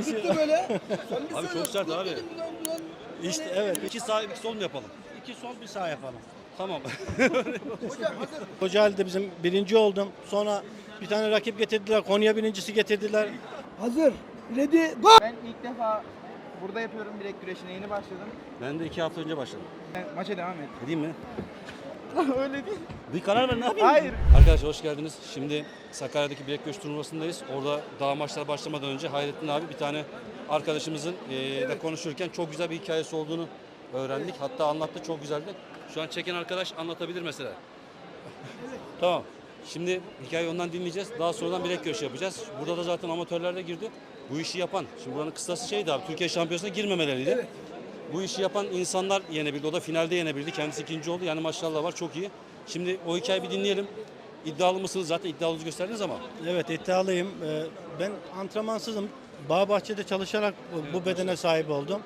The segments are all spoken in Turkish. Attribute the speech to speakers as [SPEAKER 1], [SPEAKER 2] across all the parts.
[SPEAKER 1] tuttu böyle.
[SPEAKER 2] Abi çok sert abi.
[SPEAKER 3] İşte evet.
[SPEAKER 2] 2 sağ 2 sol mu yapalım?
[SPEAKER 3] 2 sol bir sağ yapalım.
[SPEAKER 2] Tamam.
[SPEAKER 1] Hocam hazır.
[SPEAKER 3] Kocaeli'de bizim birinci oldum. Sonra bir tane rakip getirdiler. Konya birincisi getirdiler.
[SPEAKER 1] Hazır. Ready go.
[SPEAKER 4] Ben ilk defa burada yapıyorum bilek güreşine yeni başladım.
[SPEAKER 2] Ben de 2 hafta önce başladım.
[SPEAKER 4] Maça devam et.
[SPEAKER 2] Gideyim mi?
[SPEAKER 4] Öyle değil.
[SPEAKER 2] Bir karar ver, ne yapayım?
[SPEAKER 4] Hayır.
[SPEAKER 2] Arkadaşlar hoş geldiniz. Şimdi Sakarya'daki bilek güreş turnuvasındayız. Orada daha maçlar başlamadan önce Hayrettin abi bir tane arkadaşımızın da konuşurken çok güzel bir hikayesi olduğunu öğrendik. Hatta anlattı, çok güzeldi. Şu an çeken arkadaş anlatabilir mesela. Tamam. Şimdi hikayeyi ondan dinleyeceğiz. Daha sonradan bilek güreşi yapacağız. Burada da zaten amatörler de girdi. Bu işi yapan, şimdi buranın kıstası şeydi abi, Türkiye Şampiyonası'na girmemeleriydi.
[SPEAKER 1] Evet.
[SPEAKER 2] Bu işi yapan insanlar yenebildi. O da finalde yenebildi. Kendisi ikinci oldu. Yani maşallah var, çok iyi. Şimdi o hikayeyi bir dinleyelim. İddialı mısınız? Zaten iddialınızı gösterdiniz ama.
[SPEAKER 3] Evet, iddialıyım. Ben antrenmansızım. Bağbahçe'de çalışarak bu bedene sahip oldum.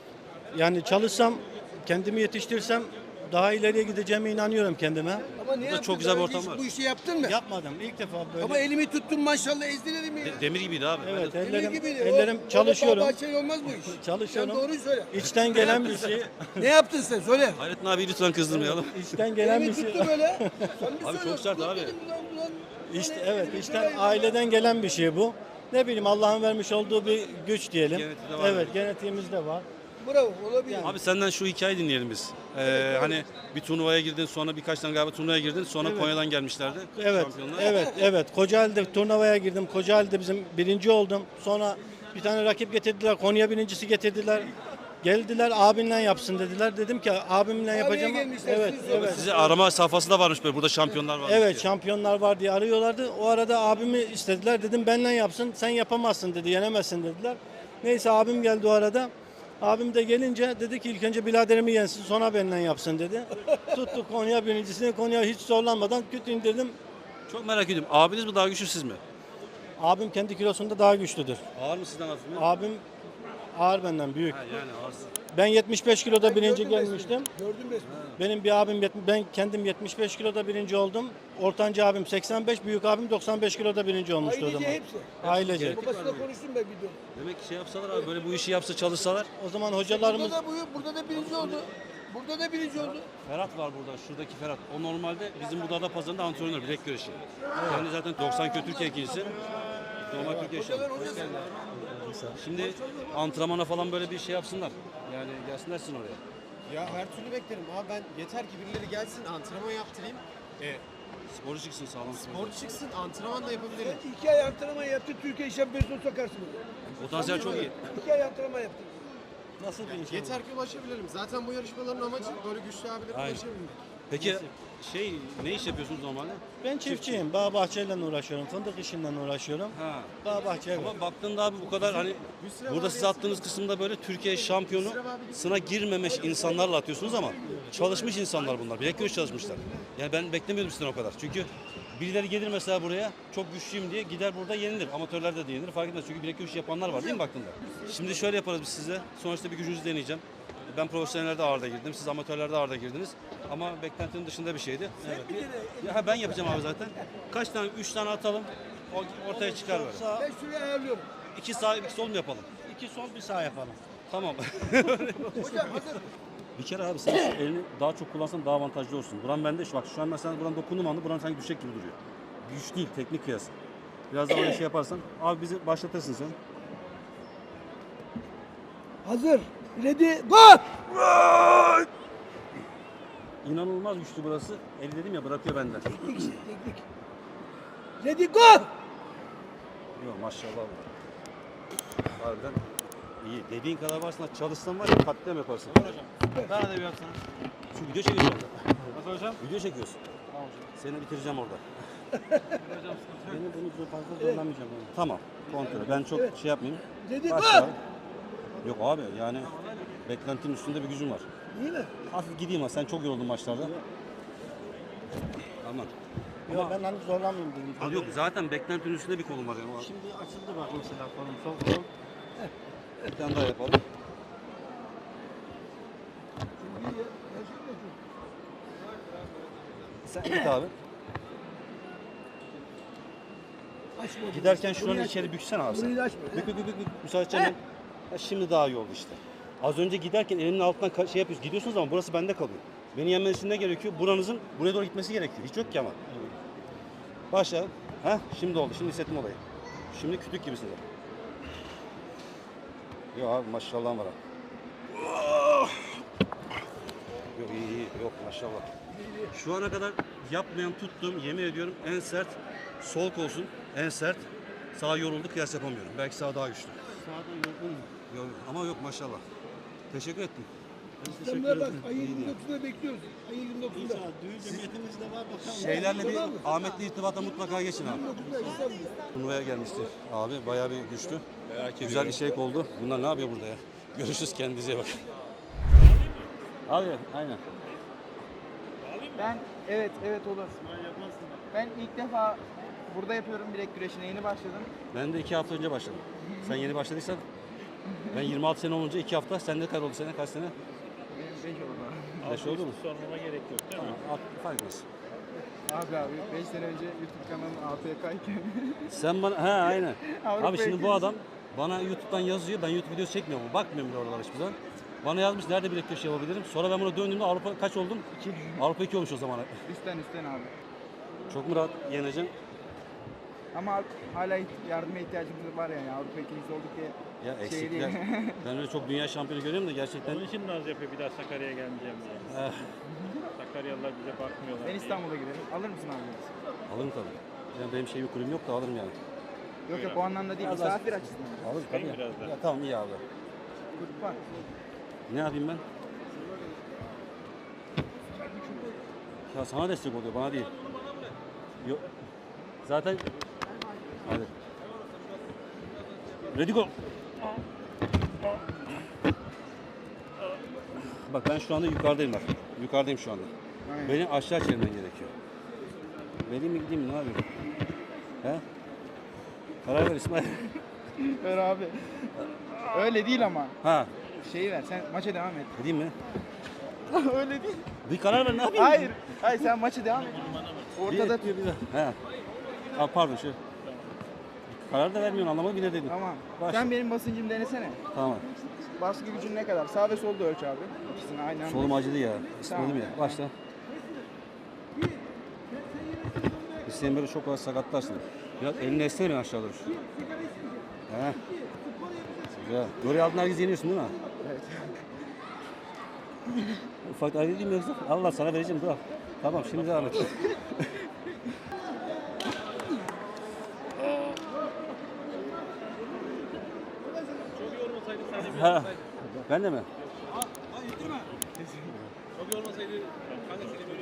[SPEAKER 3] Yani çalışsam, kendimi yetiştirsem daha ileriye gideceğime inanıyorum kendime.
[SPEAKER 1] Ama ne yaptın?
[SPEAKER 2] çok güzel bir
[SPEAKER 1] Daha
[SPEAKER 2] ortam
[SPEAKER 1] önce
[SPEAKER 2] var.
[SPEAKER 1] Bu işi yaptın mı?
[SPEAKER 3] Yapmadım. İlk defa böyle.
[SPEAKER 1] Ama elimi tuttun maşallah ezdin elimi.
[SPEAKER 2] Demir gibiydi abi.
[SPEAKER 3] Evet,
[SPEAKER 1] Demir
[SPEAKER 3] ellerim,
[SPEAKER 1] gibiydi.
[SPEAKER 3] ellerim çalışıyorum.
[SPEAKER 1] Bahçeli olmaz bu iş.
[SPEAKER 3] Çalışıyorum.
[SPEAKER 1] Sen doğruyu söyle.
[SPEAKER 3] İçten gelen bir şey.
[SPEAKER 1] Ne yaptın sen söyle.
[SPEAKER 2] Hayrettin abi lütfen kızdırmayalım.
[SPEAKER 3] İçten gelen
[SPEAKER 1] Elimi
[SPEAKER 3] bir şey.
[SPEAKER 1] tuttu böyle. Sen bir
[SPEAKER 2] Abi çok
[SPEAKER 1] söyle.
[SPEAKER 2] sert
[SPEAKER 1] Dur
[SPEAKER 2] abi.
[SPEAKER 1] dedim, ulan.
[SPEAKER 3] İşte
[SPEAKER 1] Yani
[SPEAKER 3] evet,
[SPEAKER 1] elimi
[SPEAKER 3] içten
[SPEAKER 1] şuraya-
[SPEAKER 3] aileden gelen bir şey bu. Ne bileyim, Allah'ın vermiş olduğu bir güç diyelim.
[SPEAKER 2] Genetiğinde var.
[SPEAKER 3] Evet, genetiğimizde var.
[SPEAKER 1] Bravo olabilir.
[SPEAKER 2] Abi senden şu hikayeyi dinleyelim biz. Hani bir turnuvaya girdin, sonra birkaç tane galiba turnuvaya girdin, sonra
[SPEAKER 3] Evet.
[SPEAKER 2] Konya'dan gelmişlerdi.
[SPEAKER 3] Evet,
[SPEAKER 2] Şampiyonlar.
[SPEAKER 3] evet. Kocaeli'de turnuvaya girdim. Kocaeli'de bizim birinci oldum. Sonra bir tane rakip getirdiler. Konya birincisi getirdiler. Geldiler, abinle yapsın dediler. Dedim ki abimle yapacağım.
[SPEAKER 1] gelmişler,
[SPEAKER 3] Evet,
[SPEAKER 1] siz
[SPEAKER 3] evet.
[SPEAKER 2] Size arama safhası da varmış böyle. Burada şampiyonlar varmış
[SPEAKER 3] Evet,
[SPEAKER 2] diye.
[SPEAKER 3] şampiyonlar var diye arıyorlardı. O arada abimi istediler. Dedim benle yapsın. Sen yapamazsın dedi. Yenemezsin dediler. Neyse abim geldi o arada. Abim de gelince dedi ki ilk önce biraderimi yensin, sonra benimle yapsın dedi. Tuttuk Konya birincisini. Konya hiç zorlanmadan küt indirdim.
[SPEAKER 2] Çok merak ediyorum. Abiniz mi daha güçlü, siz mi?
[SPEAKER 3] Abim kendi kilosunda daha güçlüdür.
[SPEAKER 2] Ağır mı sizden, hafif mi?
[SPEAKER 3] Abim ağır benden, büyük.
[SPEAKER 2] Ha, yani ağırsın.
[SPEAKER 3] Ben 75 kiloda birinci
[SPEAKER 1] Gördüm resmini.
[SPEAKER 3] gelmiştim.
[SPEAKER 1] Gördüm resmini.
[SPEAKER 3] Benim bir abim, ben kendim 75 kiloda birinci oldum. Ortanca abim 85, büyük abim 95 kiloda birinci olmuştu o
[SPEAKER 1] Ailece
[SPEAKER 3] zaman.
[SPEAKER 1] hepsi.
[SPEAKER 3] Ailece.
[SPEAKER 1] Babasıyla konuştum ben videoda.
[SPEAKER 2] Demek ki şey yapsalar abi, böyle bu işi yapsa, çalışsalar.
[SPEAKER 3] O zaman hocalarımız
[SPEAKER 1] Burada da birinci oldu. Burada da birinci oldu.
[SPEAKER 2] Ferhat var burada, şuradaki Ferhat. O normalde bizim bu Adapazarı'nda antrenör, bilek güreşi. Yani zaten 90 kilo Türkiye ikincisi. Normal Türkiye şampiyonu.
[SPEAKER 1] Hocalar hocası.
[SPEAKER 2] Şimdi antrenmana falan böyle bir şey yapsınlar. Yani gelsinler sizin oraya.
[SPEAKER 5] Ya her türlü beklerim abi, ben yeter ki birileri gelsin, antrenman yaptırayım.
[SPEAKER 2] Sporcu çıksın, sağlam sporcu.
[SPEAKER 5] Spor çıksın, antrenman da yapabilirim.
[SPEAKER 1] 2 ay antrenman yaptı. Türkiye şampiyonasına sokarsın.
[SPEAKER 2] Potansiyel çok iyi.
[SPEAKER 1] 2 ay antrenman yaptı.
[SPEAKER 3] nasıl bir insan?
[SPEAKER 5] Yeter ki ulaşabilirim. Zaten bu yarışmaların amacı böyle güçlü abilere
[SPEAKER 2] Aynen.
[SPEAKER 5] ulaşabilmek.
[SPEAKER 2] Peki ne iş yapıyorsunuz normalde?
[SPEAKER 3] Ben çiftçiyim. Bağ bahçeyle uğraşıyorum. Fındık işinden uğraşıyorum.
[SPEAKER 2] Ha.
[SPEAKER 3] Bağ bahçe.
[SPEAKER 2] Ama baktığında abi bu kadar hani burada size attığınız kısımda böyle Türkiye şampiyonu sına girmemiş insanlarla atıyorsunuz ama çalışmış insanlar bunlar. Bilek güreş çalışmışlar. Yani ben beklemiyordum sizden o kadar. Çünkü birileri gelir mesela buraya, çok güçlüyüm diye gider burada yenilir. Amatörlerde de yenilir, fark etmez. Çünkü bilek güreşi yapanlar var değil mi baktığında? Şimdi şöyle yaparız biz size. Sonuçta bir gücünüzü deneyeceğim. Ben profesyonellerde ağırda girdim, siz amatörlerde ağırda girdiniz. Ama beklentinin dışında bir şeydi. Evet. Ya ben yapacağım abi zaten. Kaç tane? 3 tane atalım. Ortaya çıkar böyle.
[SPEAKER 1] Ben şuraya ayarlıyorum.
[SPEAKER 2] 2 sağ, 2 sol mu yapalım?
[SPEAKER 3] 2 sol bir sağ yapalım.
[SPEAKER 2] Tamam.
[SPEAKER 1] Hocam hazır.
[SPEAKER 2] Bir kere abi sen şu elini daha çok kullansan daha avantajlı olsun. Buran bende bak şu an mesela buran dokundum anda buran sanki düşecek gibi duruyor. Güç değil, teknik kıyas. Biraz daha öyle şey yaparsan. Abi bizi başlatırsın sen.
[SPEAKER 1] Hazır. Ready go.
[SPEAKER 2] İnanılmaz güçlü burası. El dedim ya, bırakıyor benden.
[SPEAKER 1] Teknik. Ready go.
[SPEAKER 2] Yok maşallah. Harbiden iyi. Dediğin kadar varsın, çalışsan var ya katliam yaparsın.
[SPEAKER 5] Bana da bir atsana.
[SPEAKER 2] Şu video çekiyorsun.
[SPEAKER 5] Nasıl hocam?
[SPEAKER 2] Video çekiyorsun.
[SPEAKER 5] Tamam hocam.
[SPEAKER 2] Seni bitireceğim orada.
[SPEAKER 5] Hocam sıkıntı yok.
[SPEAKER 2] Beni fazla zorlamayacağım. Yani. Tamam. Kontrol. Ben çok şey yapmayayım.
[SPEAKER 1] Ready
[SPEAKER 2] Başla.
[SPEAKER 1] go.
[SPEAKER 2] Yok abi yani beklentinin üstünde bir gücüm var.
[SPEAKER 1] İyi mi?
[SPEAKER 2] Hafif gideyim ha, sen çok yoruldun maçlarda. Aman.
[SPEAKER 3] Yok, ben hani zorlamayayım dedim.
[SPEAKER 2] Abi yok, zaten beklentinin üstünde bir kolum var yani.
[SPEAKER 3] Şimdi açıldı bak mesela kolum, sol kol.
[SPEAKER 2] Bir tane daha yapalım. Sen git abi.
[SPEAKER 1] Aç
[SPEAKER 2] Giderken şuranı içeri büksene abi sen.
[SPEAKER 1] Burayı da açma.
[SPEAKER 2] Bük. Müsaade edeceğim. Ha, şimdi daha iyi oldu işte. Az önce giderken elinin altından şey yapıyorsun. Gidiyorsunuz ama burası bende kalıyor. Beni yenmeniz için ne gerekiyor? Buranızın buraya doğru gitmesi gerekiyor. Hiç yok ki ama. Başla. Heh, şimdi oldu. Şimdi hissettim olayı. Şimdi kütük gibisiniz. Yok abi maşallah var abi. Yok iyi. Yok maşallah. Şu ana kadar yapmayan tuttuğum yemin ediyorum en sert sol kolsun. En sert. Sağ yoruldu kıyas yapamıyorum. Belki sağ daha güçlü.
[SPEAKER 3] Sağda yorgun.
[SPEAKER 2] Yok, ama yok maşallah. Teşekkür ettim.
[SPEAKER 1] İstanbul'a bak. Ayın 29'unda bekliyoruz. Ayın 29'unda.
[SPEAKER 3] İnşallah düğün cemiyetimiz de var bakalım.
[SPEAKER 2] Şeylerle bir Ahmet'le irtibata mutlaka geçin abi.
[SPEAKER 1] 29'unda İstanbul.
[SPEAKER 2] Turnuvaya gelmişti abi. Bayağı bir güçlü. Güzel bir şey oldu. Bunlar ne yapıyor burada ya? Görüşürüz, kendinize iyi bakın. Abi aynen.
[SPEAKER 4] Ben evet olur. Ben ilk defa burada yapıyorum bilek güreşine yeni başladım.
[SPEAKER 2] Ben de 2 hafta önce başladım. Sen yeni başladıysan ben 26 sene olunca 2 hafta. Sende kaç oldu sene? Kaç sene?
[SPEAKER 4] Benim 5 oldu.
[SPEAKER 2] 5 oldu mu?
[SPEAKER 3] Sormama gerek yok değil mi?
[SPEAKER 2] Fark etmez.
[SPEAKER 4] Abi 5 sene önce YouTube kanalım APK'yken.
[SPEAKER 2] Sen bana he aynen.
[SPEAKER 4] Avrupa
[SPEAKER 2] Abi şimdi bu
[SPEAKER 4] ülkesi.
[SPEAKER 2] adam bana YouTube'dan yazıyor. Ben YouTube videosu çekmiyorum. Bakmıyorum bile oralara hiçbir zaman. Bana yazmış nerede bilek köşe yapabilirim. Sonra ben buna döndüğümde Avrupa kaç oldum? 2. Avrupa 2 olmuş o zaman.
[SPEAKER 4] Üstten abi.
[SPEAKER 2] Çok mu rahat yeneceğim?
[SPEAKER 4] Ama hala yardıma ihtiyacımız var yani. Avrupa ikincisi olduk diye
[SPEAKER 2] Ya
[SPEAKER 4] şey
[SPEAKER 2] eksikler.
[SPEAKER 4] değil.
[SPEAKER 2] Ben öyle çok dünya şampiyonu görüyorum da gerçekten.
[SPEAKER 3] Onun için naz yapıyor bir daha Sakarya'ya gelmeyeceğim diye.
[SPEAKER 2] Eh,
[SPEAKER 3] Sakaryalılar bize bakmıyorlar
[SPEAKER 4] Ben
[SPEAKER 3] diye.
[SPEAKER 4] İstanbul'a giderim. Alır mısın abi?
[SPEAKER 2] alırım tabii. Yani benim bir kulübüm yok da alırım yani.
[SPEAKER 4] Yok o anlamda değil.
[SPEAKER 2] Biraz
[SPEAKER 4] Misafir açısından.
[SPEAKER 2] Alırım
[SPEAKER 3] Ben
[SPEAKER 2] tabii.
[SPEAKER 3] biraz da.
[SPEAKER 2] Ya tamam iyi abi.
[SPEAKER 4] Kulüp var.
[SPEAKER 2] Ne yapayım ben? Ya sana destek oluyor, bana değil. Yok. Zaten hadi. Ready go. Bak ben şu anda yukarıdayım bak. Yukarıdayım şu anda.
[SPEAKER 4] Aynen.
[SPEAKER 2] Benim aşağı çevirmen gerekiyor. Vereyim mi gideyim mi ne yapayım? He? Karar ver İsmail.
[SPEAKER 4] Ver abi. Öyle değil ama.
[SPEAKER 2] Ha,
[SPEAKER 4] Şeyi ver. Sen maça devam et.
[SPEAKER 2] gideyim mi?
[SPEAKER 4] Öyle değil.
[SPEAKER 2] Bir karar ver ne yapayım?
[SPEAKER 4] Hayır. Hayır sen maça devam et. Ortada tut.
[SPEAKER 2] He. Aa, pardon şu. Karar da vermiyorsun anlamadım yine dedim.
[SPEAKER 4] Tamam.
[SPEAKER 2] Başla.
[SPEAKER 4] Sen benim basıncımı denesene.
[SPEAKER 2] Tamam.
[SPEAKER 4] Baskı gücün ne kadar? Sağ ve solda ölç abi. İkisini aynı anda.
[SPEAKER 2] Solum acıdı ya. İsmail'im
[SPEAKER 4] Tamam.
[SPEAKER 2] ya. Başla. İsteyen böyle çok az sakatlarsın. Biraz elini esnerim aşağı doğru. He. Güzel. Oraya aldın herkes yeniyorsun değil mi?
[SPEAKER 4] Evet.
[SPEAKER 2] Ufak ayrı değil mi yoksa? Allah sana vereceğim dur. Tamam şimdi devam et. Ha. Ben de mi?
[SPEAKER 5] Çok yormasaydı kanka seni böyle